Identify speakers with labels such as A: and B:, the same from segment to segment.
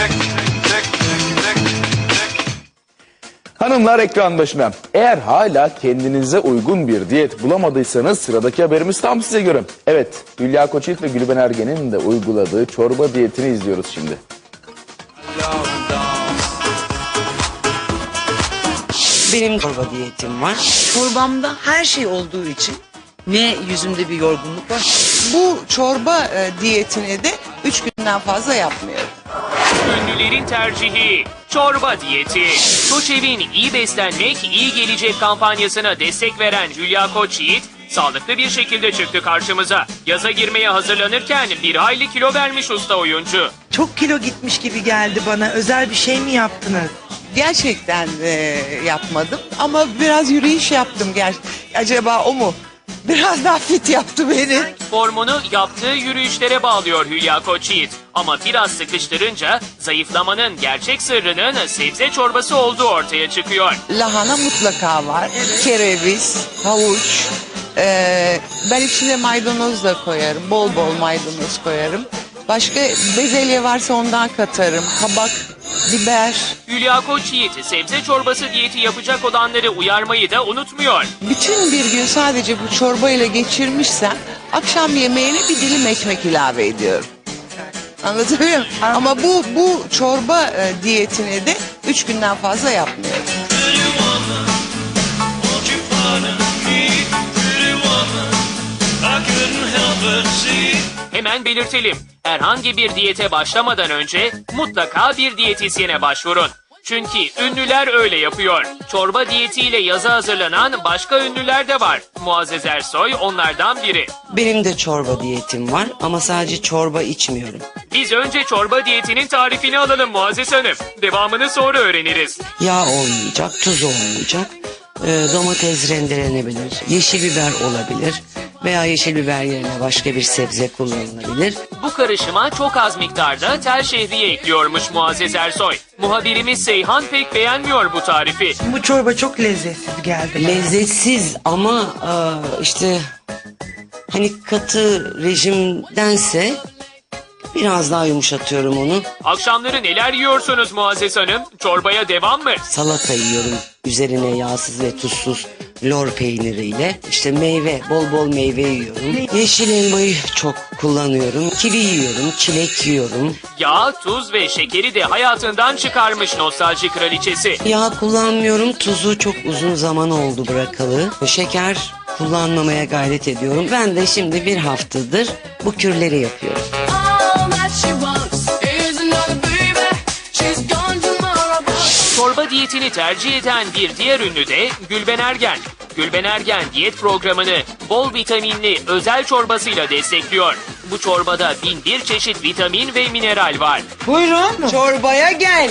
A: Hanımlar ekran başına. Eğer hala kendinize uygun bir diyet bulamadıysanız sıradaki haberimiz tam size göre. Evet, Hülya Koçyiğit ve Gülben Ergen'in de uyguladığı çorba diyetini izliyoruz şimdi.
B: Benim çorba diyetim var. Çorbamda her şey olduğu için ne yüzümde bir yorgunluk var.
C: Bu çorba diyetini de 3 günden fazla yapmıyorum.
D: Ünlülerin tercihi çorba diyeti. Koçev'in iyi beslenmek, iyi gelecek kampanyasına destek veren Hülya Koçyiğit sağlıklı bir şekilde çıktı karşımıza. Yaza girmeye hazırlanırken bir hayli kilo vermiş usta oyuncu.
E: Çok kilo gitmiş gibi geldi bana. Özel bir şey mi yaptınız?
C: Gerçekten yapmadım ama biraz yürüyüş yaptım. Acaba o mu? Biraz daha fit yaptı beni.
D: Formunu yaptığı yürüyüşlere bağlıyor Hülya Koçyiğit. Ama biraz sıkıştırınca zayıflamanın gerçek sırrının sebze çorbası olduğu ortaya çıkıyor.
C: Lahana mutlaka var. Kereviz, havuç. Ben içine maydanoz da koyarım. Bol bol maydanoz koyarım. Başka bezelye varsa ondan katarım. Kabak, biber.
D: Hülya Koçyiğit sebze çorbası diyeti yapacak olanları uyarmayı da unutmuyor.
C: Bütün bir gün sadece bu çorba ile geçirmişsem akşam yemeğine bir dilim ekmek ilave ediyorum. Anlatabiliyor muyum? Ama bu çorba diyetini de 3 günden fazla yapmıyorum.
D: Hemen belirtelim. Herhangi bir diyete başlamadan önce mutlaka bir diyetisyene başvurun. Çünkü ünlüler öyle yapıyor. Çorba diyetiyle yaza hazırlanan başka ünlüler de var. Muazzez Ersoy onlardan biri.
B: Benim de çorba diyetim var ama sadece çorba içmiyorum.
D: Biz önce çorba diyetinin tarifini alalım Muazzez Hanım. Devamını sonra öğreniriz.
B: Yağ olmayacak, tuz olmayacak. Domates rendelenebilir, yeşil biber olabilir veya yeşil biber yerine başka bir sebze kullanılabilir.
D: Bu karışıma çok az miktarda tel şehriye ekliyormuş Muazzez Ersoy. Muhabirimiz Seyhan pek beğenmiyor bu tarifi.
E: Bu çorba çok lezzetsiz geldi bana.
B: Lezzetsiz ama işte hani katı rejimdense biraz daha yumuşatıyorum onu.
D: Akşamları neler yiyorsunuz Muazzez Hanım? Çorbaya devam mı?
B: Salata yiyorum. Üzerine yağsız ve tuzsuz lor peyniriyle. İşte meyve, bol bol meyve yiyorum. Yeşil elmayı çok kullanıyorum. Kivi yiyorum, çilek yiyorum.
D: Yağ, tuz ve şekeri de hayatından çıkarmış nostalji kraliçesi.
B: Yağ kullanmıyorum. Tuzu çok uzun zaman oldu bırakalı. Şeker kullanmamaya gayret ediyorum. Ben de şimdi bir haftadır bu kürleri yapıyorum.
D: Çorba diyetini tercih eden bir diğer ünlü de Gülben Ergen. Gülben Ergen diyet programını bol vitaminli özel çorbasıyla destekliyor. Bu çorbada 1001 çeşit vitamin ve mineral var.
E: Buyurun çorbaya gel.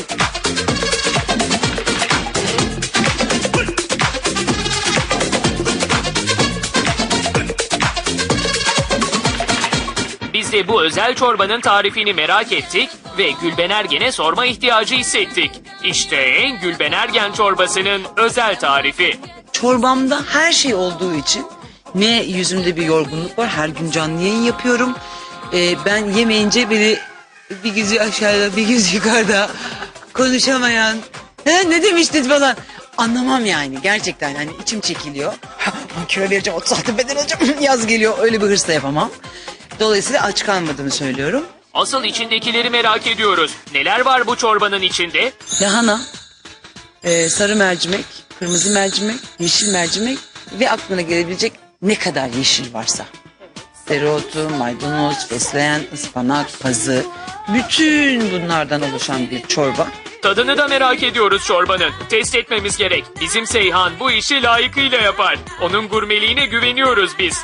D: Biz de bu özel çorbanın tarifini merak ettik ve Gülben Ergen'e sorma ihtiyacı hissettik. İşte Gülben Ergen çorbasının özel tarifi.
F: Çorbamda her şey olduğu için ne yüzümde bir yorgunluk var. Her gün canlı yayın yapıyorum. Ben yemeyince beni bir gözü aşağıda bir gözü yukarıda konuşamayan ne demiştin falan anlamam yani gerçekten hani içim çekiliyor. 10 kilo vereceğim 36 beden olacağım yaz geliyor öyle bir hırsla yapamam. Dolayısıyla aç kalmadığımı söylüyorum.
D: Asıl içindekileri merak ediyoruz. Neler var bu çorbanın içinde?
F: Lahana, sarı mercimek, kırmızı mercimek, yeşil mercimek ve aklına gelebilecek ne kadar yeşil varsa. Dereotu, maydanoz, fesleğen, ıspanak, pazı, bütün bunlardan oluşan bir çorba.
D: Tadını da merak ediyoruz çorbanın. Test etmemiz gerek. Bizim Seyhan bu işi layıkıyla yapar. Onun gurmeliğine güveniyoruz biz.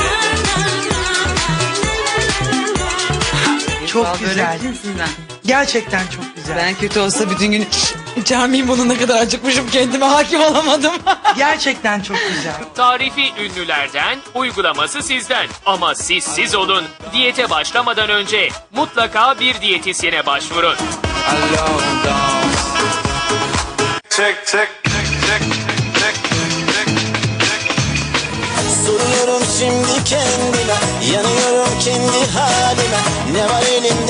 E: Çok güzel. Gerçekten çok güzel.
F: Ben kötü olsa bütün gün içermeyeyim bunu ne kadar acıkmışım kendime hakim olamadım.
E: Gerçekten çok güzel.
D: Tarifi ünlülerden, uygulaması sizden. Ama siz olun. Diyete başlamadan önce mutlaka bir diyetisyene başvurun.
G: Soruyorum şimdi kendime, yanıyorum kendi halime. Ne var elimde